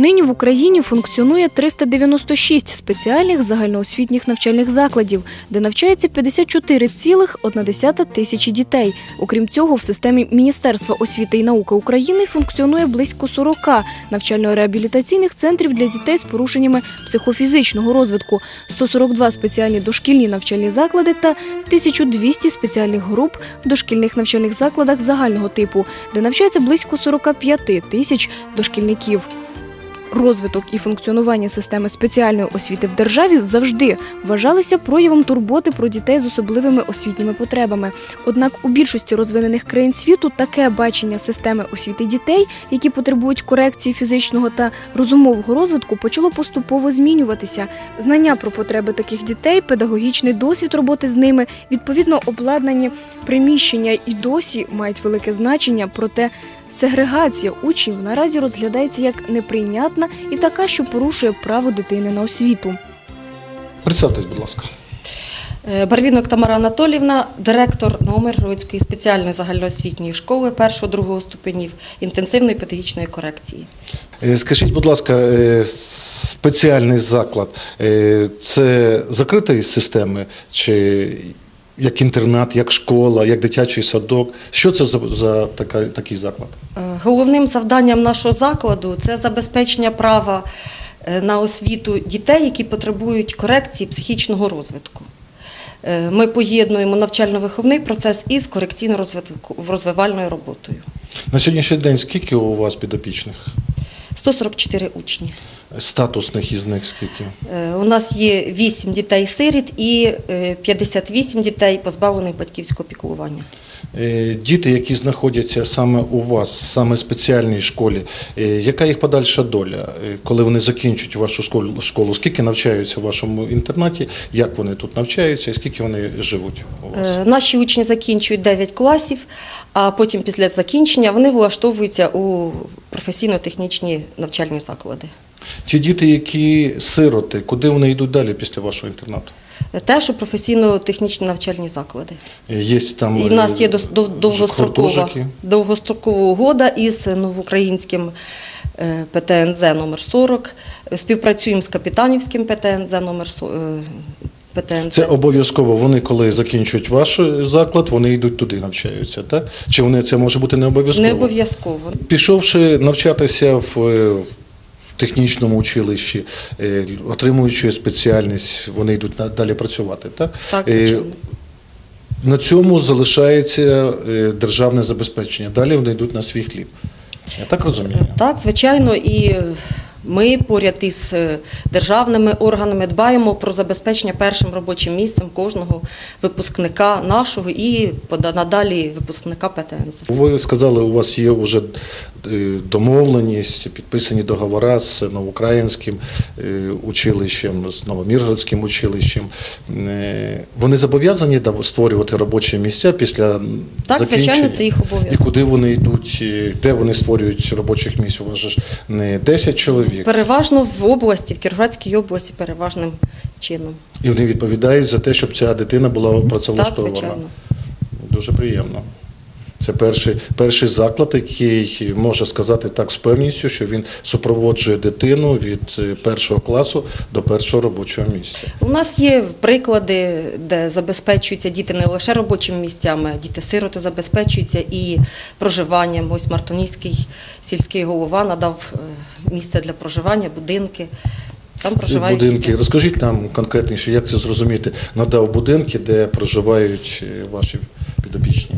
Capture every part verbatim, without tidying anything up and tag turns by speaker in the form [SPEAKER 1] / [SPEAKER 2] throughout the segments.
[SPEAKER 1] Нині в Україні функціонує триста дев'яносто шість спеціальних загальноосвітніх навчальних закладів, де навчається п'ятдесят чотири цілих одна десята тисячі дітей. Окрім цього, в системі Міністерства освіти і науки України функціонує близько сорока навчально-реабілітаційних центрів для дітей з порушеннями психофізичного розвитку, сто сорок два спеціальні дошкільні навчальні заклади та тисяча двісті спеціальних груп в дошкільних навчальних закладах загального типу, де навчається близько сорок п'ять тисяч дошкільників. Розвиток і функціонування системи спеціальної освіти в державі завжди вважалися проявом турботи про дітей з особливими освітніми потребами. Однак у більшості розвинених країн світу таке бачення системи освіти дітей, які потребують корекції фізичного та розумового розвитку, почало поступово змінюватися. Знання про потреби таких дітей, педагогічний досвід роботи з ними, відповідно обладнані приміщення і досі мають велике значення, проте сегрегація учнів наразі розглядається як неприйнятна і така, що порушує право дитини на освіту.
[SPEAKER 2] Представтесь, будь ласка.
[SPEAKER 3] Барвінок Тамара Анатоліївна, директор Новомиргородської спеціальної загальноосвітньої школи першого-другого ступенів інтенсивної педагогічної корекції.
[SPEAKER 2] Скажіть, будь ласка, спеціальний заклад – це закритої системи чи як інтернат, як школа, як дитячий садок? Що це за, за така, такий заклад?
[SPEAKER 3] Головним завданням нашого закладу – це забезпечення права на освіту дітей, які потребують корекції психічного розвитку. Ми поєднуємо навчально-виховний процес із корекційно-розвивальною роботою.
[SPEAKER 2] На сьогоднішній день скільки у вас підопічних?
[SPEAKER 3] сто сорок чотири учні.
[SPEAKER 2] Статусних із них скільки?
[SPEAKER 3] У нас є вісім дітей-сиріт і п'ятдесят вісім дітей, позбавлених батьківського піклування.
[SPEAKER 2] Діти, які знаходяться саме у вас, саме в спеціальній школі, яка їх подальша доля, коли вони закінчують вашу школу? Скільки навчаються в вашому інтернаті, як вони тут навчаються і скільки вони живуть у вас?
[SPEAKER 3] Наші учні закінчують дев'ять класів, а потім після закінчення вони влаштовуються у професійно-технічні навчальні заклади.
[SPEAKER 2] Ті діти, які сироти, куди вони йдуть далі після вашого інтернату?
[SPEAKER 3] Теж у професійно-технічні навчальні заклади.
[SPEAKER 2] Є там
[SPEAKER 3] І в нас є довгострокова, довгострокова угода із новоукраїнським пе те ен зет номер сорок. Співпрацюємо з Капітанівським пе те ен зет номер пе те ен зет.
[SPEAKER 2] Це обов'язково. Вони, коли закінчують ваш заклад, вони йдуть туди, навчаються, так? Чи вони, це може бути не обов'язково?
[SPEAKER 3] Не обов'язково.
[SPEAKER 2] Пішовши навчатися в технічному училищі, отримуючи спеціальність, вони йдуть далі працювати, так?
[SPEAKER 3] Так, звичайно.
[SPEAKER 2] На цьому залишається державне забезпечення. Далі вони йдуть на свій хліб. Я так розумію?
[SPEAKER 3] Так, звичайно. І ми поряд із державними органами дбаємо про забезпечення першим робочим місцем кожного випускника нашого і надалі випускника пе те ен зет.
[SPEAKER 2] Ви сказали, у вас є вже домовленість, підписані договори з новоукраїнським училищем, з Новомиргородським училищем. Вони зобов'язані створювати робочі місця після закінчення?
[SPEAKER 3] Так, звичайно, це їх обов'язок.
[SPEAKER 2] І куди вони йдуть, де вони створюють робочих місць? У вас ж не десять чоловік.
[SPEAKER 3] Переважно в області, в Кіровоградській області переважним чином.
[SPEAKER 2] І вони відповідають за те, щоб ця дитина була працевлаштована?
[SPEAKER 3] Так, звичайно.
[SPEAKER 2] Дуже приємно. Це перший, перший заклад, який може сказати так з певністю, що він супроводжує дитину від першого класу до першого робочого місця.
[SPEAKER 3] У нас є приклади, де забезпечуються діти не лише робочими місцями, діти-сироти забезпечуються і проживанням. Ось Мартонівський сільський голова надав місце для проживання, будинки. Там проживають
[SPEAKER 2] будинки.
[SPEAKER 3] діти.
[SPEAKER 2] Розкажіть нам конкретніше, як це зрозуміти. Надав будинки, де проживають ваші підопічні?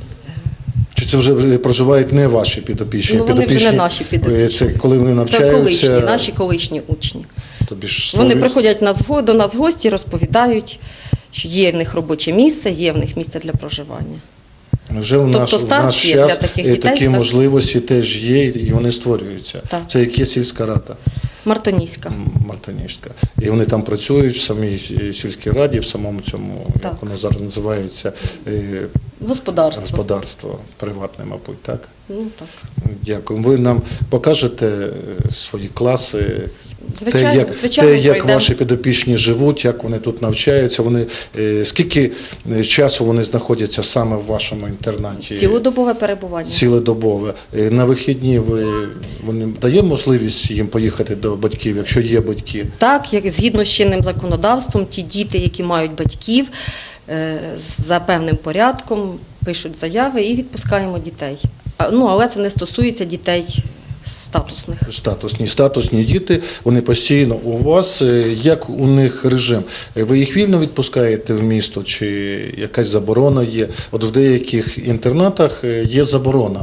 [SPEAKER 2] Чи це вже проживають не ваші підопічні?
[SPEAKER 3] Ну, вони вже не наші підопічні.
[SPEAKER 2] Це коли вони навчаються?
[SPEAKER 3] Це колишні, наші колишні учні.
[SPEAKER 2] Тобі ж
[SPEAKER 3] вони
[SPEAKER 2] створюють...
[SPEAKER 3] приходять нас, до нас в гості, розповідають, що є в них робоче місце, є в них місце для проживання.
[SPEAKER 2] Вже в наш,
[SPEAKER 3] тобто,
[SPEAKER 2] в наш час
[SPEAKER 3] таких дітей,
[SPEAKER 2] такі
[SPEAKER 3] так?
[SPEAKER 2] можливості теж є, і вони створюються.
[SPEAKER 3] Так.
[SPEAKER 2] Це яке сільська рада?
[SPEAKER 3] Мартонівська.
[SPEAKER 2] Мартонівська. І вони там працюють в самій сільській раді, в самому цьому,
[SPEAKER 3] так.
[SPEAKER 2] як воно зараз називається,
[SPEAKER 3] господарство.
[SPEAKER 2] Господарство приватне, мабуть, так?
[SPEAKER 3] Ну, так.
[SPEAKER 2] Дякую. Ви нам покажете свої класи,
[SPEAKER 3] Звичайно,
[SPEAKER 2] те, як,
[SPEAKER 3] звичайно,
[SPEAKER 2] те, як
[SPEAKER 3] пройдемо.
[SPEAKER 2] ваші підопічні живуть, як вони тут навчаються, вони, е, скільки е, часу вони знаходяться саме в вашому інтернаті?
[SPEAKER 3] Цілодобове перебування.
[SPEAKER 2] Цілодобове. Е, На вихідні ви, вони дає можливість їм поїхати до батьків, якщо є батьки?
[SPEAKER 3] Так, як згідно з чинним законодавством, ті діти, які мають батьків, е, за певним порядком пишуть заяви і відпускаємо дітей. А, Ну, але це не стосується дітей статусних.
[SPEAKER 2] Статусні, статусні діти, вони постійно у вас. Е, Як у них режим? Е, Ви їх вільно відпускаєте в місто, чи якась заборона є? От в деяких інтернатах е, є заборона.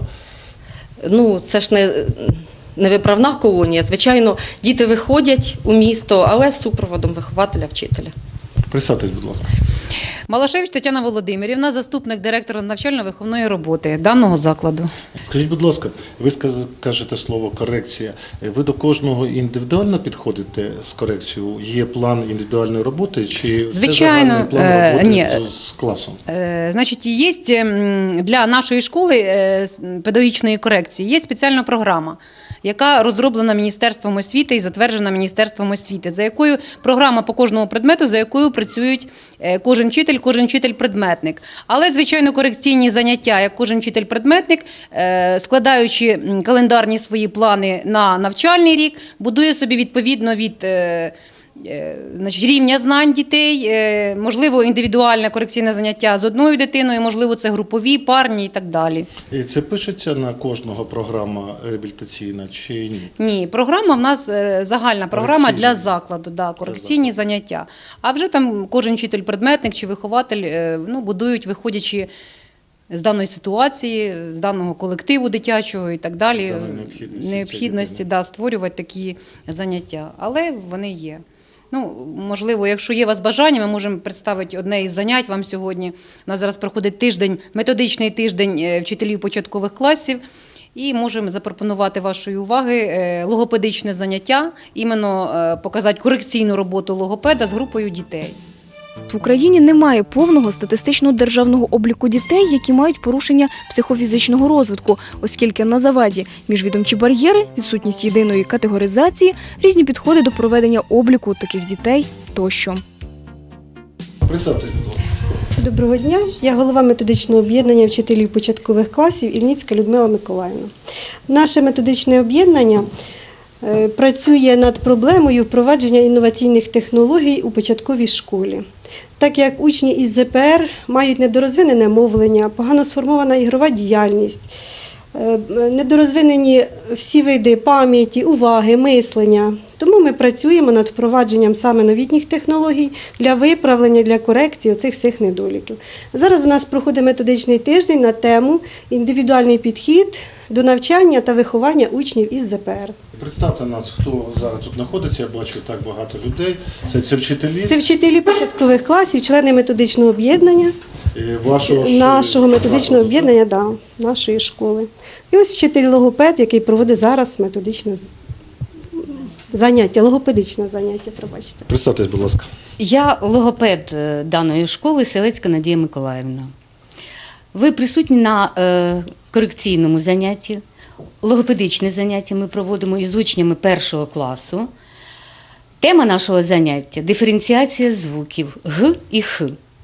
[SPEAKER 3] Ну, це ж не, не виправна колонія. Звичайно, діти виходять у місто, але з супроводом вихователя, вчителя.
[SPEAKER 2] Представтесь, будь ласка.
[SPEAKER 4] Малашевич Тетяна Володимирівна, заступник директора навчально-виховної роботи даного закладу.
[SPEAKER 2] Скажіть, будь ласка, ви сказ- кажете слово корекція. Ви до кожного індивідуально підходите з корекцією? Є план індивідуальної роботи чи це
[SPEAKER 4] Звичайно,
[SPEAKER 2] загальний план
[SPEAKER 4] е,
[SPEAKER 2] роботи
[SPEAKER 4] ні.
[SPEAKER 2] з- з класом?
[SPEAKER 4] Е, Значить, є м, для нашої школи е, з педагогічної корекції є спеціальна програма, яка розроблена Міністерством освіти і затверджена Міністерством освіти, за якою програма по кожному предмету, за якою працюють е, кожен вчитель, кожен вчитель-предметник. Але, звичайно, корекційні заняття, як кожен вчитель-предметник, е, складаючи м, календарні свої плани на навчальний рік, будує собі відповідно від е, е, значить, рівня знань дітей, е, можливо, індивідуальне корекційне заняття з одною дитиною, можливо, це групові, парні і так далі.
[SPEAKER 2] І це пишеться на кожного програма реабілітаційна чи ні?
[SPEAKER 4] Ні, програма в нас е, загальна програма
[SPEAKER 2] Корекційні.
[SPEAKER 4] для закладу, да, корекційні заняття. А вже там кожен вчитель-предметник чи вихователь е, ну, будують, виходячи з даної ситуації, з даного колективу дитячого і так далі,
[SPEAKER 2] З даної необхідності
[SPEAKER 4] необхідності
[SPEAKER 2] цієї
[SPEAKER 4] да, створювати такі заняття. Але вони є. Ну, можливо, якщо є у вас бажання, ми можемо представити одне із занять вам сьогодні. У нас зараз проходить тиждень, методичний тиждень е, вчителів початкових класів. І можемо запропонувати вашої уваги е, логопедичне заняття, іменно е, показати корекційну роботу логопеда з групою дітей.
[SPEAKER 1] В Україні немає повного статистичного державного обліку дітей, які мають порушення психофізичного розвитку, оскільки на заваді міжвідомчі бар'єри, відсутність єдиної категоризації, різні підходи до проведення обліку таких дітей тощо.
[SPEAKER 2] Представтесь, будь ласка.
[SPEAKER 5] Доброго дня. Я голова методичного об'єднання вчителів початкових класів Ільницька Людмила Миколаївна. Наше методичне об'єднання е, працює над проблемою впровадження інноваційних технологій у початковій школі. Так як учні із зе пе ер мають недорозвинене мовлення, погано сформована ігрова діяльність, е, недорозвинені всі види пам'яті, уваги, мислення. Тому ми працюємо над впровадженням саме новітніх технологій для виправлення, для корекції оцих всіх недоліків. Зараз у нас проходить методичний тиждень на тему «Індивідуальний підхід до навчання та виховання учнів із зе пе ер».
[SPEAKER 2] Представте нас, хто зараз тут знаходиться, я бачу так багато людей. Це, це вчителі
[SPEAKER 5] Це вчителі початкових класів, члени методичного об'єднання,
[SPEAKER 2] е, вашого, ж-
[SPEAKER 5] нашого методичного
[SPEAKER 2] закладу,
[SPEAKER 5] об'єднання, да, нашої школи. І ось вчитель логопед, який проводить зараз методичне з- заняття, логопедичне заняття, пробачте.
[SPEAKER 2] так? Представтесь, будь ласка.
[SPEAKER 6] Я логопед е, даної школи Селецька Надія Миколаївна. Ви присутні на е, корекційному занятті. Логопедичне заняття ми проводимо із учнями першого класу. Тема нашого заняття – диференціація звуків Г і Х.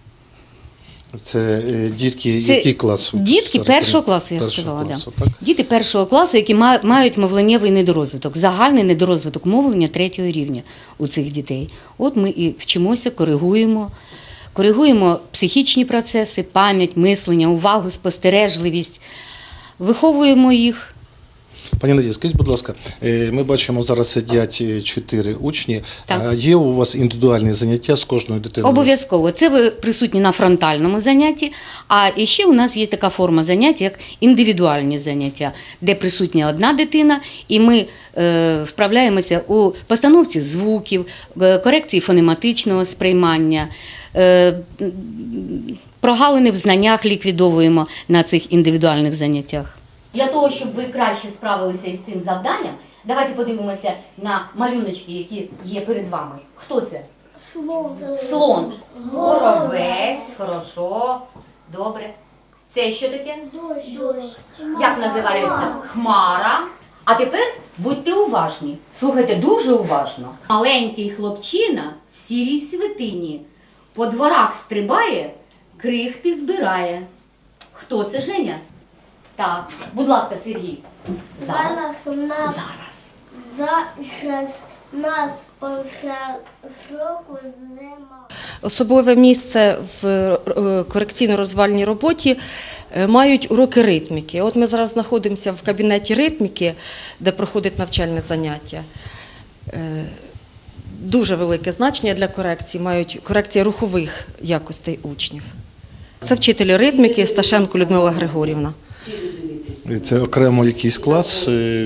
[SPEAKER 2] Це е, дітки,
[SPEAKER 6] Це
[SPEAKER 2] який клас?
[SPEAKER 6] Дітки
[SPEAKER 2] Зараз,
[SPEAKER 6] першого класу, я
[SPEAKER 2] першого
[SPEAKER 6] сказала.
[SPEAKER 2] класу,
[SPEAKER 6] Да.
[SPEAKER 2] так?
[SPEAKER 6] Діти першого класу, які ма- мають мовленнєвий недорозвиток, загальний недорозвиток мовлення третього рівня у цих дітей. От ми і вчимося, коригуємо. Коригуємо психічні процеси, пам'ять, мислення, увагу, спостережливість. Виховуємо їх.
[SPEAKER 2] Пані Надія, скажіть, будь ласка, е, ми бачимо, зараз сидять е, чотири учні.
[SPEAKER 6] Так.
[SPEAKER 2] А є у вас індивідуальні заняття з кожною дитиною?
[SPEAKER 6] Обов'язково. Це ви присутні на фронтальному занятті, а ще у нас є така форма заняття, як індивідуальні заняття, де присутня одна дитина, і ми е, вправляємося у постановці звуків, е, корекції фонематичного сприймання, е, прогалини в знаннях ліквідовуємо на цих індивідуальних заняттях.
[SPEAKER 7] Для того, щоб ви краще справилися із цим завданням, давайте подивимося на малюночки, які є перед вами. Хто це? Слон. Слон. Горобець. Хорошо. Добре. Це що таке?
[SPEAKER 8] Дощ. Дощ.
[SPEAKER 7] Як називається? Хмара. А тепер будьте уважні, слухайте дуже уважно. Маленький хлопчина в сірій свитині по дворах стрибає, крихти збирає. Хто це, Женя? Так, будь ласка, Сергій. Зараз.
[SPEAKER 8] Зараз у нас
[SPEAKER 7] Зараз.
[SPEAKER 8] зараз нас по року зима.
[SPEAKER 3] Особливе місце в е, корекційно-розвивальній роботі е, мають уроки ритміки. От ми зараз знаходимося в кабінеті ритміки, де проходить навчальне заняття. Е, Дуже велике значення для корекції мають корекція рухових якостей учнів. Це вчитель ритміки Сташенко Людмила Григорівна.
[SPEAKER 2] І це окремо якийсь клас? е,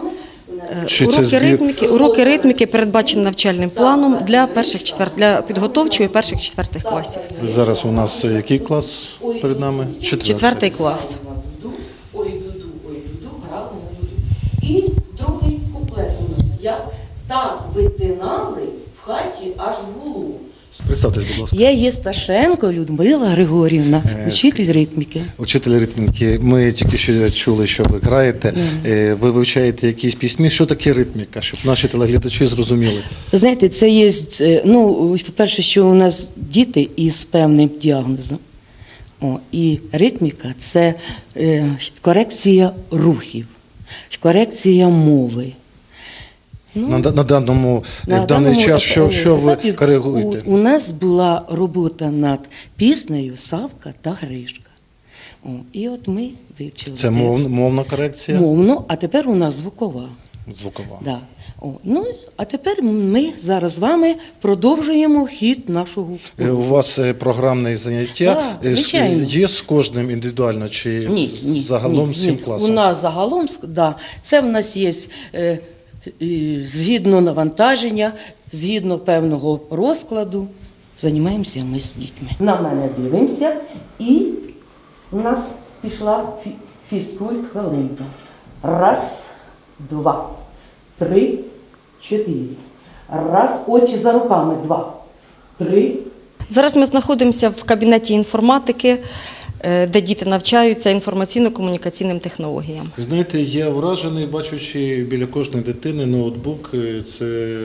[SPEAKER 2] Чи це
[SPEAKER 3] Уроки
[SPEAKER 2] збір?
[SPEAKER 3] ритміки, уроки ритміки передбачені навчальним планом для перших четвер... для підготовчої перших четвертих класів.
[SPEAKER 2] Зараз у нас який клас перед нами? Четвертий.
[SPEAKER 3] Четвертий клас.
[SPEAKER 9] Ой, дуду, ой, дуду, грала на дуду. І другий куплет у нас. Як так витинали в хаті аж гулу.
[SPEAKER 2] Представтесь, будь ласка.
[SPEAKER 9] Я є Сташенко Людмила Григорівна,
[SPEAKER 2] Е,
[SPEAKER 9] учитель ритміки.
[SPEAKER 2] Учитель ритміки, ми тільки що чули, що ви граєте. Е, Ви вивчаєте якісь пісні. Що таке ритміка, щоб наші телеглядачі зрозуміли?
[SPEAKER 9] Ви знаєте, це є, е, ну, по-перше, що у нас діти із певним діагнозом. О, і ритміка – це е, корекція рухів, корекція мови. Ну,
[SPEAKER 2] На, на даному
[SPEAKER 9] на
[SPEAKER 2] в даний
[SPEAKER 9] даному
[SPEAKER 2] час, що, що ви
[SPEAKER 9] етапі
[SPEAKER 2] коригуєте?
[SPEAKER 9] У, у нас була робота над піснею «Савка та Гришка». О, і от ми вивчили
[SPEAKER 2] Це мов, мовна корекція?
[SPEAKER 9] мовну, а тепер у нас звукова.
[SPEAKER 2] Звукова.
[SPEAKER 9] Да. О, ну, а тепер ми зараз з вами продовжуємо хід нашого
[SPEAKER 2] Е, У вас е, програмне заняття
[SPEAKER 9] Да,
[SPEAKER 2] е, з-
[SPEAKER 9] звичайно.
[SPEAKER 2] є з кожним індивідуально чи
[SPEAKER 9] Ні, ні,
[SPEAKER 2] загалом
[SPEAKER 9] ні,
[SPEAKER 2] всім
[SPEAKER 9] ні.
[SPEAKER 2] класом?
[SPEAKER 9] У нас загалом, ск- да, це в нас є е, е, згідно навантаження, згідно певного розкладу, займаємося ми з дітьми. На мене дивимося, і у нас пішла фі- фізкульт хвилинка. Раз, два, три, чотири. Раз, очі за руками, два, три.
[SPEAKER 3] Зараз ми знаходимося в кабінеті інформатики, е, де діти навчаються інформаційно-комунікаційним технологіям.
[SPEAKER 2] Знаєте, я вражений, бачучи біля кожної дитини ноутбук. е, Це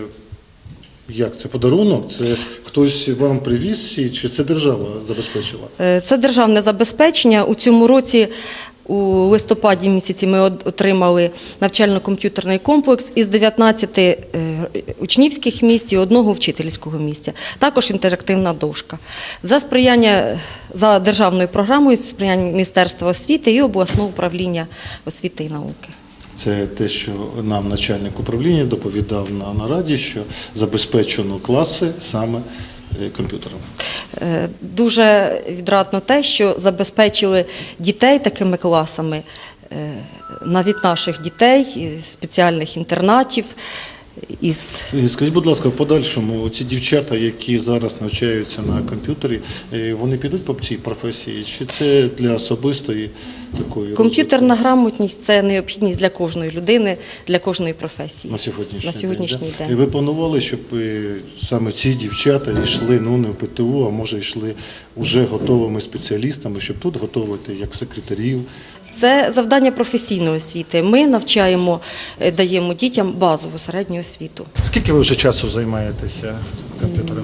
[SPEAKER 2] як? Це подарунок? Це хтось вам привіз чи це держава забезпечила?
[SPEAKER 3] Е, Це державне забезпечення. У цьому році, у листопаді місяці, ми от- отримали навчально-комп'ютерний комплекс із дев'ятнадцяти е, учнівських місць і одного вчительського місця. Також інтерактивна дошка. За сприяння, за державною програмою, сприяння Міністерства освіти і обласного управління освіти і науки.
[SPEAKER 2] Це те, що нам начальник управління доповідав на нараді, що забезпечено класи саме е, комп'ютером.
[SPEAKER 3] Е, Дуже відрадно те, що забезпечили дітей такими класами, е, навіть наших дітей, із спеціальних інтернатів. Із...
[SPEAKER 2] Е, Скажіть, будь ласка, в подальшому ці дівчата, які зараз навчаються на комп'ютері, е, вони підуть по цій професії? Чи це для особистої такої
[SPEAKER 3] Комп'ютерна
[SPEAKER 2] розвитку
[SPEAKER 3] грамотність – це необхідність для кожної людини, для кожної професії.
[SPEAKER 2] на сьогоднішній,
[SPEAKER 3] на сьогоднішній
[SPEAKER 2] день? да?
[SPEAKER 3] день.
[SPEAKER 2] І ви планували, щоб е, саме ці дівчата йшли ну, не в ПТУ, а може йшли вже готовими спеціалістами, щоб тут готувати як секретарів?
[SPEAKER 3] Це завдання професійної освіти. Ми навчаємо, е, даємо дітям базову середню освіту.
[SPEAKER 2] Скільки ви вже часу займаєтеся комп'ютерами?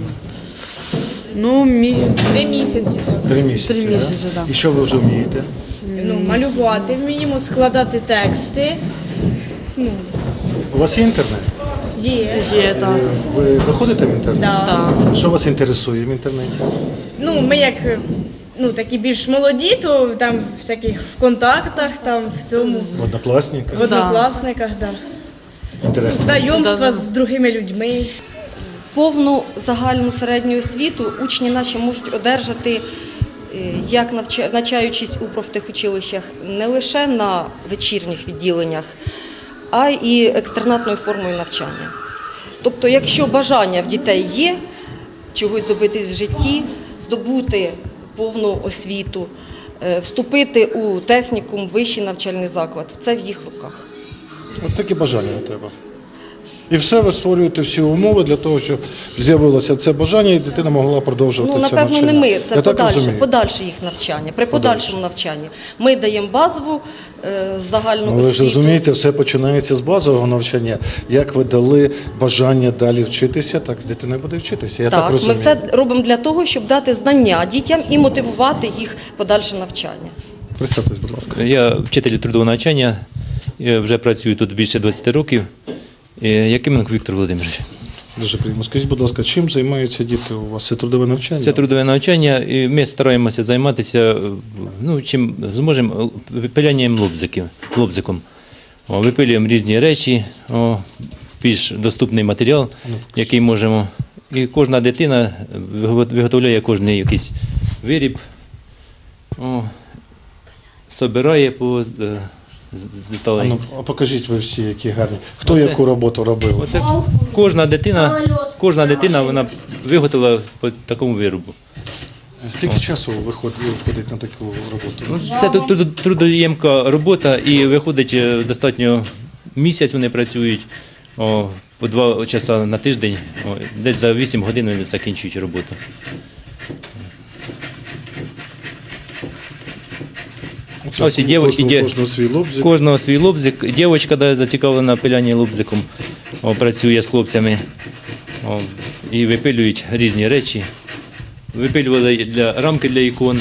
[SPEAKER 10] Ну, мі... три місяці. Так.
[SPEAKER 2] Три місяці.
[SPEAKER 10] Три
[SPEAKER 2] да?
[SPEAKER 10] місяці, так.
[SPEAKER 2] І що ви вже вмієте?
[SPEAKER 10] Ну, малювати вміємо, складати тексти. Ну,
[SPEAKER 2] У вас є інтернет?
[SPEAKER 10] є. Є, так.
[SPEAKER 2] Е, Ви заходите в інтернет?
[SPEAKER 10] Да.
[SPEAKER 2] Що вас інтересує в інтернеті?
[SPEAKER 10] Ну, ми як ну, такі більш молоді, то там в всяких в контактах, там в цьому,
[SPEAKER 2] В однокласниках?
[SPEAKER 10] в однокласниках, да.
[SPEAKER 2] Інтересно.
[SPEAKER 10] Знайомства з другими людьми.
[SPEAKER 3] Повну загальну середню освіту учні наші можуть одержати, е, як навча- навчаючись у профтехучилищах, не лише на вечірніх відділеннях, а й екстернатною формою навчання. Тобто, якщо бажання в дітей є чогось добитись в житті, здобути повну освіту, е, вступити у технікум, вищий навчальний заклад, це в їх руках.
[SPEAKER 2] От таке бажання треба. І все, ви створюєте всі умови для того, щоб з'явилося це бажання, і дитина могла продовжувати
[SPEAKER 3] Ну,
[SPEAKER 2] це
[SPEAKER 3] напевно,
[SPEAKER 2] навчання.
[SPEAKER 3] не ми, це
[SPEAKER 2] Я так
[SPEAKER 3] подальше,
[SPEAKER 2] розумію.
[SPEAKER 3] подальше їх навчання. При подальшому навчанні ми даємо базову е, загальну
[SPEAKER 2] Ну, ви ж
[SPEAKER 3] освіту.
[SPEAKER 2] розумієте, все починається з базового навчання. Як ви дали бажання далі вчитися, так дитина буде вчитися. Я так,
[SPEAKER 3] Так, ми
[SPEAKER 2] розумію.
[SPEAKER 3] все робимо для того, щоб дати знання дітям і мотивувати їх в подальше навчання.
[SPEAKER 2] Представтесь, будь ласка.
[SPEAKER 11] Я вчитель трудового навчання, я вже працюю тут більше двадцять років. Е, Якименко Віктор Володимирович.
[SPEAKER 2] Дуже приємно. Скажіть, будь ласка, чим займаються діти у вас? Це трудове навчання?
[SPEAKER 11] Це трудове навчання, і ми стараємося займатися, е, ну, чим зможемо, випилянням лобзиків, лобзиком. О, випилюємо різні речі, о, більш доступний матеріал, який можемо. І кожна дитина виго- виготовляє кожен якийсь виріб, о, собирає по е, з- з
[SPEAKER 2] А
[SPEAKER 11] деталей.
[SPEAKER 2] ну, а покажіть ви всі, які гарні. Хто
[SPEAKER 11] Оце-
[SPEAKER 2] яку роботу робив?
[SPEAKER 11] Оце кожна дитина, кожна дитина вона виготовила по такому виробу.
[SPEAKER 2] Скільки часу виходить, виходить на таку роботу?
[SPEAKER 11] Ну, це тут труд- трудоємка робота, і виходить е, достатньо місяць вони працюють о, по два часа на тиждень, о, десь за вісім годин вони закінчують роботу. А ось і дівчатки,
[SPEAKER 2] Кожного,
[SPEAKER 11] де-
[SPEAKER 2] кожного свій лобзик.
[SPEAKER 11] Кожного свій лобзик. Дівчинка да, зацікавлена пилянні лобзиком, о, працює з хлопцями о, і випилюють різні речі. Випилювали для рамки для ікон.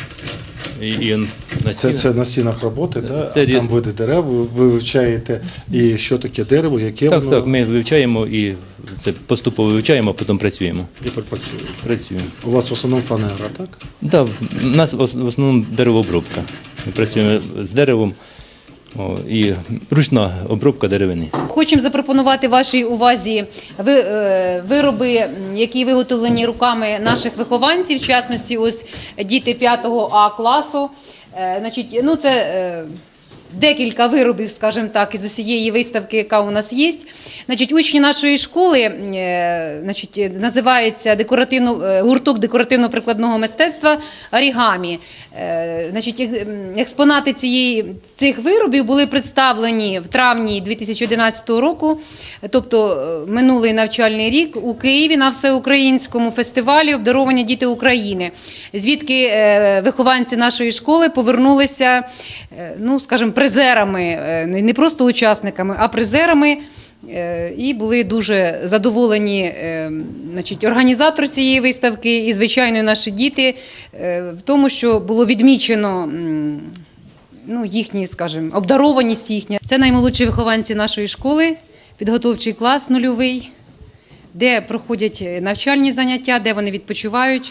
[SPEAKER 11] І, і он на
[SPEAKER 2] Це,
[SPEAKER 11] стінах.
[SPEAKER 2] це на стінах роботи, да?
[SPEAKER 11] Це
[SPEAKER 2] А
[SPEAKER 11] рі-
[SPEAKER 2] там види дерев, ви ви вивчаєте, і що таке дерево, яке
[SPEAKER 11] Так,
[SPEAKER 2] воно
[SPEAKER 11] так, ми вивчаємо і це поступово вивчаємо, а потім працюємо.
[SPEAKER 2] і працює.
[SPEAKER 11] Працюємо.
[SPEAKER 2] У вас в основному фанера, так?
[SPEAKER 11] Да, у нас в ос- в основному деревообробка. Ми працюємо з деревом о, і ручна обробка деревини.
[SPEAKER 4] Хочемо запропонувати вашій увазі ви- е, вироби, м, які виготовлені руками наших вихованців, в частності ось діти п'ятого А класу. Е, Значить, ну це е, декілька виробів, скажімо так, із усієї виставки, яка у нас є. Значить, учні нашої школи, е, значить, називається декоративно, е, гурток декоративно-прикладного мистецтва «Орігамі». Е, Значить, ек- м, експонати цієї, цих виробів були представлені в травні дві тисячі одинадцятого року, тобто е, минулий навчальний рік у Києві на всеукраїнському фестивалі «Обдаровані діти України», звідки е, вихованці нашої школи повернулися, е, ну, скажімо, призерами, е, не не просто учасниками, а призерами. Е, І були дуже задоволені е, значить, організатор цієї виставки і, звичайно, наші діти е, в тому, що було відмічено м, ну, їхні, скажімо, обдарованість їхня. Це наймолодші вихованці нашої школи, підготовчий клас нульовий, де проходять навчальні заняття, де вони відпочивають.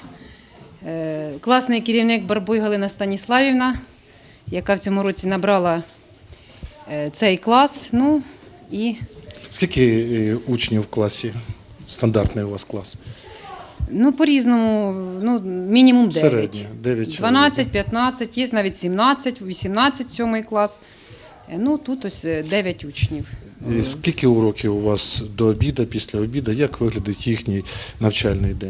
[SPEAKER 4] Е, Класний керівник Барбуй Галина Станіславівна, яка в цьому році набрала е, цей клас. Ну, і
[SPEAKER 2] Скільки е, учнів в класі? Стандартний у вас клас?
[SPEAKER 4] Ну, по-різному, ну, мінімум дев'ять.
[SPEAKER 2] Середнє, дев'ять чоловік.
[SPEAKER 4] дванадцять, п'ятнадцять, є навіть сімнадцять, вісімнадцять, сьомий клас. Е, Ну, тут ось е, дев'ять учнів.
[SPEAKER 2] І скільки уроків у вас до обіду, після обіду? Як виглядить їхній навчальний день?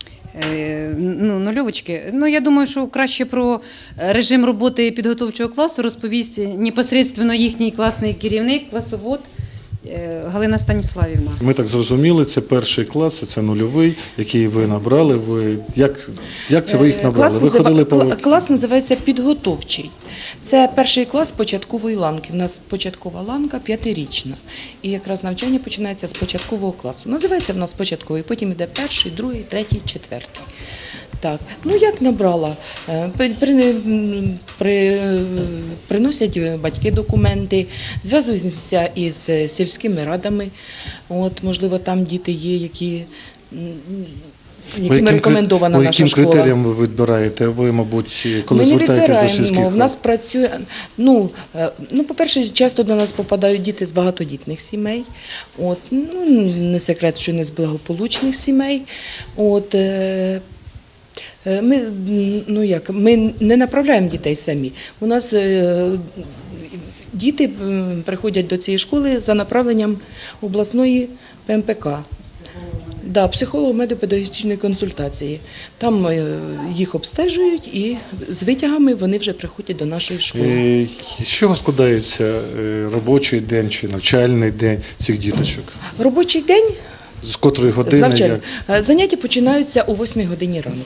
[SPEAKER 4] Е, Ну, нульовочки. Ну, я думаю, що краще про режим роботи підготовчого класу розповість непосередньо їхній класний керівник, класовод е, Галина Станіславівна.
[SPEAKER 2] Ми так зрозуміли, це перший клас, це нульовий, який ви набрали. Ви як, як це ви їх набрали? Ви
[SPEAKER 12] назива-
[SPEAKER 2] ходили по
[SPEAKER 12] кла- клас називається підготовчий. Це перший клас початкової ланки. У нас початкова ланка п'ятирічна. І якраз навчання починається з початкового класу. Називається в нас початковий, потім йде перший, другий, третій, четвертий. Так, ну як набрала? Е, при, при, м, при, приносять батьки документи, зв'язуються із сільськими радами. От, можливо, там діти є, які, м,
[SPEAKER 2] По
[SPEAKER 12] яким
[SPEAKER 2] яким кри-
[SPEAKER 12] рекомендована
[SPEAKER 2] по
[SPEAKER 12] наша
[SPEAKER 2] яким
[SPEAKER 12] школа.
[SPEAKER 2] критеріям ви відбираєте? Ви, мабуть, коли
[SPEAKER 12] Ми не
[SPEAKER 2] звертаєтесь до
[SPEAKER 12] відбираємо,
[SPEAKER 2] сільських
[SPEAKER 12] в нас
[SPEAKER 2] рад?
[SPEAKER 12] працює, ну, е, ну, по-перше, часто до нас попадають діти з багатодітних сімей, от, ну, не секрет, що не з благополучних сімей, от, е, е, ми, м, ну, як, ми не направляємо дітей самі, у нас е, діти м, приходять до цієї школи за направленням обласної П М П К. Да, психолого-медико-педагогічної консультації. Там е, їх обстежують і з витягами вони вже приходять до нашої школи.
[SPEAKER 2] Е, З чого складається е, робочий день чи навчальний день цих діточок?
[SPEAKER 12] Робочий день
[SPEAKER 2] З котрої
[SPEAKER 12] з
[SPEAKER 2] години?
[SPEAKER 12] навчання.
[SPEAKER 2] Як?
[SPEAKER 12] Е, Заняття починаються о восьмій годині ранку.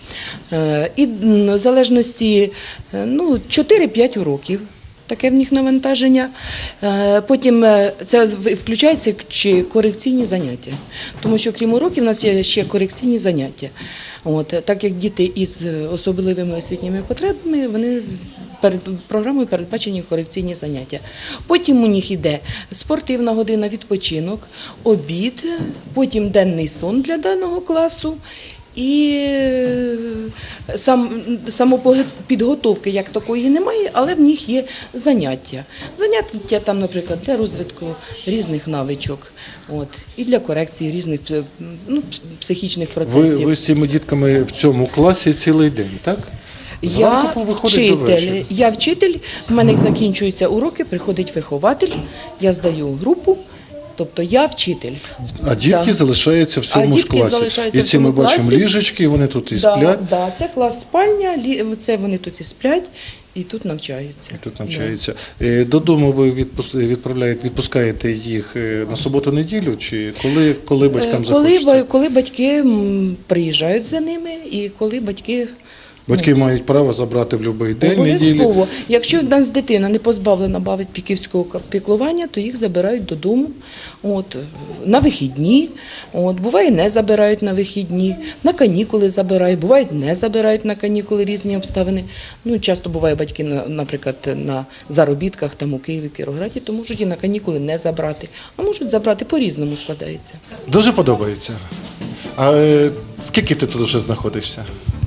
[SPEAKER 12] Е, І м, в залежності е, ну, чотири-п'ять уроків. Таке в них навантаження. Е, Потім е, це в- включається чи корекційні заняття. Тому що крім уроків у нас є ще корекційні заняття. От, так як діти із е, особливими освітніми потребами, вони перед програмою передбачені корекційні заняття. Потім у них йде спортивна година, відпочинок, обід, потім денний сон для даного класу. І е, сам, самопідготовки як такої немає, але в них є заняття. Заняття там, наприклад, для розвитку різних навичок, от, і для корекції різних пс- ну, психічних
[SPEAKER 2] Ви,
[SPEAKER 12] процесів.
[SPEAKER 2] ви з цими дітками в цьому класі цілий день, так?
[SPEAKER 12] Я
[SPEAKER 2] Зранку виходить до вечора.
[SPEAKER 12] вчитель, я вчитель, в мене закінчуються уроки, приходить вихователь, я здаю групу, тобто я вчитель.
[SPEAKER 2] А дітки
[SPEAKER 12] Да.
[SPEAKER 2] залишаються в
[SPEAKER 12] А
[SPEAKER 2] цьому ж
[SPEAKER 12] дітки
[SPEAKER 2] класі.
[SPEAKER 12] залишаються
[SPEAKER 2] І
[SPEAKER 12] в
[SPEAKER 2] ці ми
[SPEAKER 12] цьому
[SPEAKER 2] бачимо
[SPEAKER 12] класі.
[SPEAKER 2] ліжечки, вони тут і
[SPEAKER 12] Да,
[SPEAKER 2] сплять.
[SPEAKER 12] да, це клас спальня, лі- це вони тут і сплять, і тут навчаються.
[SPEAKER 2] І тут навчаються. Е, Додому ви відпус- відправляєте, відпускаєте їх е, на суботу-неділю, чи коли, коли
[SPEAKER 12] Е,
[SPEAKER 2] батькам
[SPEAKER 12] Коли,
[SPEAKER 2] захочеться?
[SPEAKER 12] ба- коли батьки м, приїжджають за ними, і коли батьки
[SPEAKER 2] Батьки мають право забрати в будь-який день неділі.
[SPEAKER 12] обов'язково. Якщо в нас дитина не позбавлена батьківського піклування, то їх забирають додому, от, на вихідні. От, буває, не забирають на вихідні, на канікули забирають, буває, не забирають на канікули, різні обставини. Ну, часто буває батьки, на- наприклад, на заробітках там у Києві, Кіровограді, то можуть і на канікули не забрати, а можуть забрати, по-різному складається.
[SPEAKER 2] Дуже подобається. А е, скільки ти тут вже знаходишся?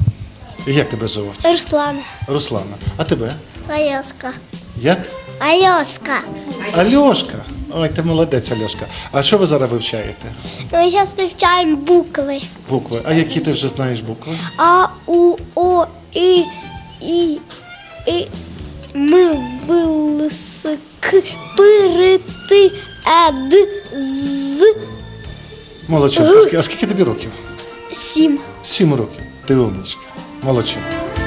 [SPEAKER 2] І як тебе звуть?
[SPEAKER 8] Руслан.
[SPEAKER 2] Руслана. А тебе?
[SPEAKER 8] Альошка.
[SPEAKER 2] Як?
[SPEAKER 8] Альошка.
[SPEAKER 2] Альошка. Ой, ти молодець, Альошка. А що ви зараз вивчаєте?
[SPEAKER 8] Ми зараз вивчаємо букви.
[SPEAKER 2] Букви. А які ти вже знаєш букви?
[SPEAKER 8] А, У, О, І, І, І, М, Б, С, К, П, Р, Т, Е, Д, З,
[SPEAKER 2] Молодчинка. А скільки- А скільки тобі років?
[SPEAKER 8] Сім.
[SPEAKER 2] Сім років. Ти умничка. Молодчинка.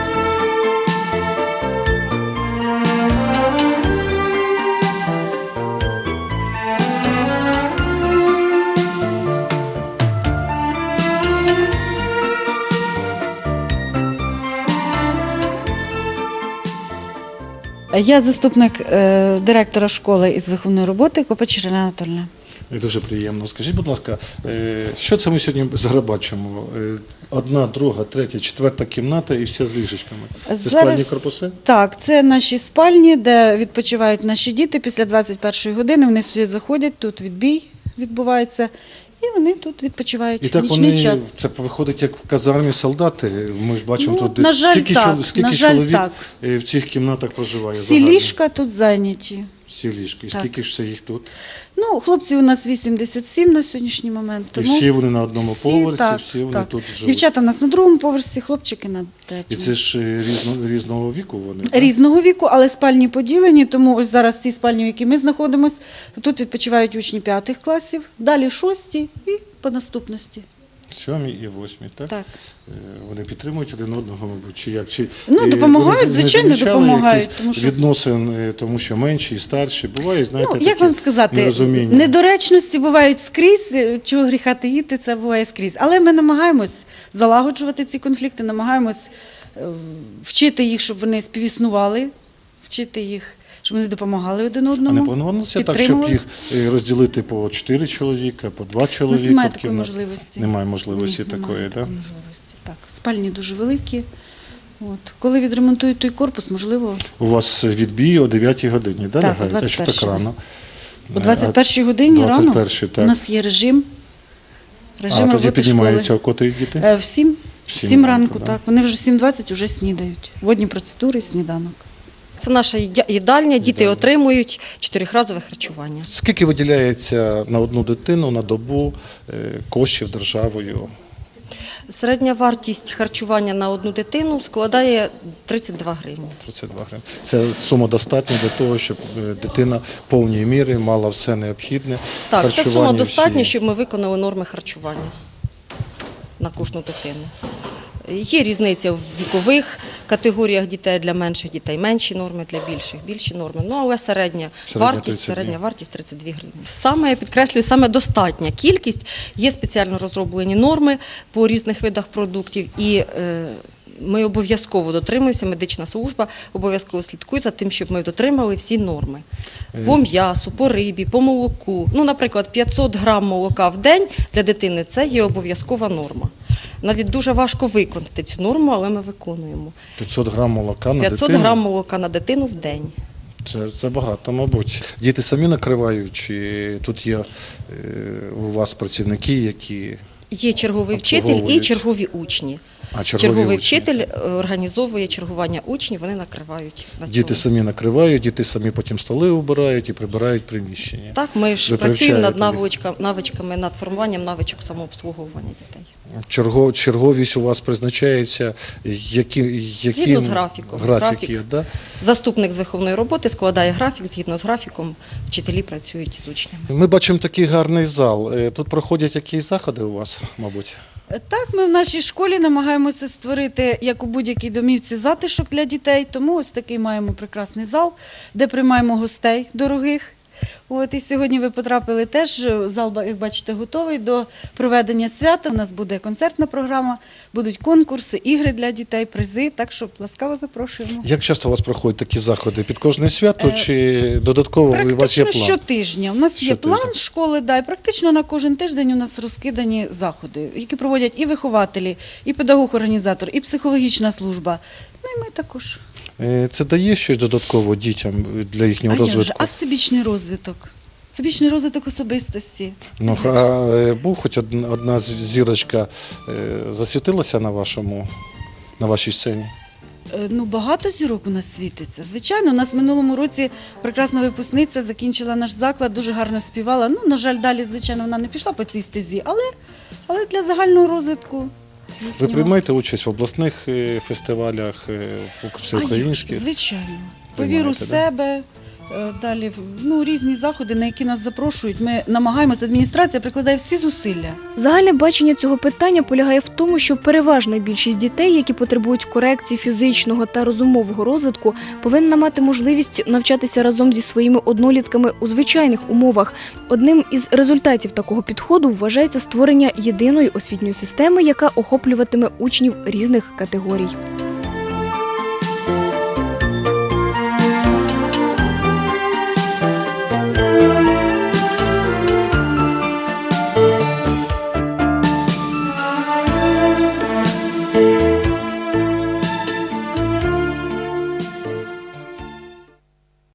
[SPEAKER 13] Я заступник е, директора школи із виховної роботи Копач Ірина Анатольовна.
[SPEAKER 2] Дуже приємно. Скажіть, будь ласка, е, що це ми сьогодні зараз бачимо? Е, Одна, друга, третя, четверта кімната і все з ліжечками. Це
[SPEAKER 13] Зараз-
[SPEAKER 2] спальні корпуси?
[SPEAKER 13] Так, це наші спальні, де відпочивають наші діти після двадцять першої години. Вони сюди заходять, тут відбій відбувається, і вони тут відпочивають
[SPEAKER 2] І
[SPEAKER 13] в
[SPEAKER 2] так
[SPEAKER 13] нічний
[SPEAKER 2] вони,
[SPEAKER 13] час.
[SPEAKER 2] це виходить як в казармі солдати. Ми ж бачимо
[SPEAKER 13] Ну,
[SPEAKER 2] тут,
[SPEAKER 13] на жаль,
[SPEAKER 2] скільки,
[SPEAKER 13] так,
[SPEAKER 2] чол- скільки
[SPEAKER 13] на жаль,
[SPEAKER 2] чоловік
[SPEAKER 13] так.
[SPEAKER 2] е, в цих кімнатах проживає.
[SPEAKER 13] Всі
[SPEAKER 2] загально?
[SPEAKER 13] ліжка тут зайняті.
[SPEAKER 2] Всі ліжки. І
[SPEAKER 13] Так.
[SPEAKER 2] скільки ж це їх тут?
[SPEAKER 13] Ну, хлопців у нас вісімдесят сім на сьогоднішній момент.
[SPEAKER 2] І
[SPEAKER 13] Тому
[SPEAKER 2] всі вони на одному
[SPEAKER 13] всі,
[SPEAKER 2] поверсі,
[SPEAKER 13] так,
[SPEAKER 2] всі вони
[SPEAKER 13] так.
[SPEAKER 2] тут живуть.
[SPEAKER 13] Дівчата у нас на другому поверсі, хлопчики на
[SPEAKER 2] І
[SPEAKER 13] третьому.
[SPEAKER 2] це ж е, різно, різного віку вони. так?
[SPEAKER 13] Різного віку, але спальні поділені, тому ось зараз ці спальні, в якій ми знаходимося, то тут відпочивають учні п'ятих класів, далі шості і по наступності.
[SPEAKER 2] Сьомі і восьмі, так?
[SPEAKER 13] Так.
[SPEAKER 2] Е, Вони підтримують один одного, мабуть, чи як? Чи,
[SPEAKER 13] Ну,
[SPEAKER 2] е,
[SPEAKER 13] допомагають,
[SPEAKER 2] вони не
[SPEAKER 13] звичайно,
[SPEAKER 2] замічали
[SPEAKER 13] допомагають,
[SPEAKER 2] якісь
[SPEAKER 13] тому що-
[SPEAKER 2] відносин, е, тому що менші і старші. Буває, знаєте,
[SPEAKER 13] Ну, як
[SPEAKER 2] такі
[SPEAKER 13] вам сказати,
[SPEAKER 2] нерозуміння.
[SPEAKER 13] недоречності бувають скрізь, е, чого гріха таїти, це буває скрізь. Але ми намагаємось залагоджувати ці конфлікти, намагаємось е, вчити їх, щоб вони співіснували, вчити їх, щоб вони допомагали один
[SPEAKER 2] А
[SPEAKER 13] одному.
[SPEAKER 2] не планувалося так, щоб
[SPEAKER 13] підтримували.
[SPEAKER 2] їх е, розділити по чотири чоловіка, по два чоловіка?
[SPEAKER 13] немає
[SPEAKER 2] в
[SPEAKER 13] такої
[SPEAKER 2] кімнаті?
[SPEAKER 13] можливості.
[SPEAKER 2] Немає можливості
[SPEAKER 13] Ні,
[SPEAKER 2] такої,
[SPEAKER 13] немає
[SPEAKER 2] так?
[SPEAKER 13] такої можливості. Так, спальні дуже великі. От. Коли відремонтують той корпус, можливо,
[SPEAKER 2] У вас відбій о дев'ятій годині, да,
[SPEAKER 13] Так, о
[SPEAKER 2] лягають? А що так
[SPEAKER 13] двадцять першій.
[SPEAKER 2] рано?
[SPEAKER 13] о двадцять першій годині рано
[SPEAKER 2] двадцять першій, так.
[SPEAKER 13] у нас є режим. Режим
[SPEAKER 2] А тоді
[SPEAKER 13] роботи
[SPEAKER 2] піднімаються
[SPEAKER 13] школи.
[SPEAKER 2] о котрій діти?
[SPEAKER 13] Е, В сім, в
[SPEAKER 2] Сім
[SPEAKER 13] сім
[SPEAKER 2] ранку,
[SPEAKER 13] ранку,
[SPEAKER 2] да.
[SPEAKER 13] так. Вони вже в сім двадцять вже снідають. Водні процедури, сніданок.
[SPEAKER 3] Це наша їдя- їдальня, діти отримують чотирьохразове харчування.
[SPEAKER 2] Скільки виділяється на одну дитину на добу е, коштів державою?
[SPEAKER 3] Середня вартість харчування на одну дитину складає тридцять два гривні.
[SPEAKER 2] тридцять два гривні. Це сума достатня для того, щоб е, дитина повній мірі мала все необхідне.
[SPEAKER 3] Так, це сума
[SPEAKER 2] харчування
[SPEAKER 3] достатня,
[SPEAKER 2] всі.
[SPEAKER 3] щоб ми виконали норми харчування. на кожну дитину. Є різниця в вікових категоріях дітей, для менших дітей менші норми, для більших більші норми. Ну, але середня,
[SPEAKER 2] Середня
[SPEAKER 3] вартість,
[SPEAKER 2] тридцять дві.
[SPEAKER 3] середня вартість тридцять дві гривні. Саме, я підкреслюю, саме достатня кількість. Є спеціально розроблені норми по різних видах продуктів, і е, ми обов'язково дотримуємося, медична служба обов'язково слідкує за тим, щоб ми дотримали всі норми. По м'ясу, по рибі, по молоку. Ну, наприклад, п'ятсот грам молока в день для дитини – це є обов'язкова норма. Навіть дуже важко виконати цю норму, але ми виконуємо.
[SPEAKER 2] п'ятсот грам молока на
[SPEAKER 3] п'ятсот
[SPEAKER 2] дитину?
[SPEAKER 3] грам молока на дитину в день.
[SPEAKER 2] Це, це багато, мабуть. Діти самі накривають, чи тут є е, у вас працівники, які...
[SPEAKER 3] Є черговий вчитель і
[SPEAKER 2] Обслуговують.
[SPEAKER 3] чергові учні.
[SPEAKER 2] А, чергові
[SPEAKER 3] черговий
[SPEAKER 2] учні.
[SPEAKER 3] вчитель е, організовує чергування учнів, вони накривають на
[SPEAKER 2] Діти
[SPEAKER 3] цьому.
[SPEAKER 2] самі накривають, діти самі потім столи убирають і прибирають приміщення.
[SPEAKER 3] Так, ми ж
[SPEAKER 2] Ви
[SPEAKER 3] працюємо над
[SPEAKER 2] привчаєте їх?
[SPEAKER 3] навичками, навичками, над формуванням навичок самообслуговування дітей.
[SPEAKER 2] Черго, черговість у вас призначається, які, які
[SPEAKER 3] Згідно з графіком.
[SPEAKER 2] Графік,
[SPEAKER 3] Графік.
[SPEAKER 2] є, да?
[SPEAKER 3] Заступник з виховної роботи складає графік, згідно з графіком вчителі працюють з учнями.
[SPEAKER 2] Ми бачимо такий гарний зал. Е, Тут проходять якісь заходи у вас, мабуть?
[SPEAKER 13] Так, ми в нашій школі намагаємося створити, як у будь-якій домівці, затишок для дітей, тому ось такий маємо прекрасний зал, де приймаємо гостей дорогих. От, і сьогодні ви потрапили теж, зал, як бачите, готовий до проведення свята. У нас буде концертна програма, будуть конкурси, ігри для дітей, призи, так що ласкаво запрошуємо.
[SPEAKER 2] Як часто у вас проходять такі заходи? Під кожне свято
[SPEAKER 13] Е,
[SPEAKER 2] чи додатково у вас є
[SPEAKER 13] Практично
[SPEAKER 2] план?
[SPEAKER 13] щотижня. У нас є
[SPEAKER 2] Щотижня.
[SPEAKER 13] план школи, да, і практично на кожен тиждень у нас розкидані заходи, які проводять і вихователі, і педагог-організатор, і психологічна служба. Ну і ми також.
[SPEAKER 2] Е, Це дає щось додатково дітям для їхнього
[SPEAKER 13] А як же?
[SPEAKER 2] розвитку?
[SPEAKER 13] А всебічний розвиток? Всебічний розвиток особистості.
[SPEAKER 2] Ну, а е, був хоч одна, одна з- зірочка е, засвітилася на вашому, на вашій сцені?
[SPEAKER 13] Е, Ну, багато зірок у нас світиться. Звичайно, у нас в минулому році прекрасна випускниця закінчила наш заклад, дуже гарно співала. Ну, на жаль, далі, звичайно, вона не пішла по цій стезі, але, але для загального розвитку.
[SPEAKER 2] Ви приймаєте участь в обласних е, фестивалях, е, всеукраїнських?
[SPEAKER 13] А як же? Звичайно.
[SPEAKER 2] Приймаєте,
[SPEAKER 13] Повіру в
[SPEAKER 2] да?
[SPEAKER 13] себе. е, Далі ну, різні заходи, на які нас запрошують. Ми намагаємося, адміністрація прикладає всі зусилля.
[SPEAKER 1] Загальне бачення цього питання полягає в тому, що переважна більшість дітей, які потребують корекції фізичного та розумового розвитку, повинна мати можливість навчатися разом зі своїми однолітками у звичайних умовах. Одним із результатів такого підходу вважається створення єдиної освітньої системи, яка охоплюватиме учнів різних категорій.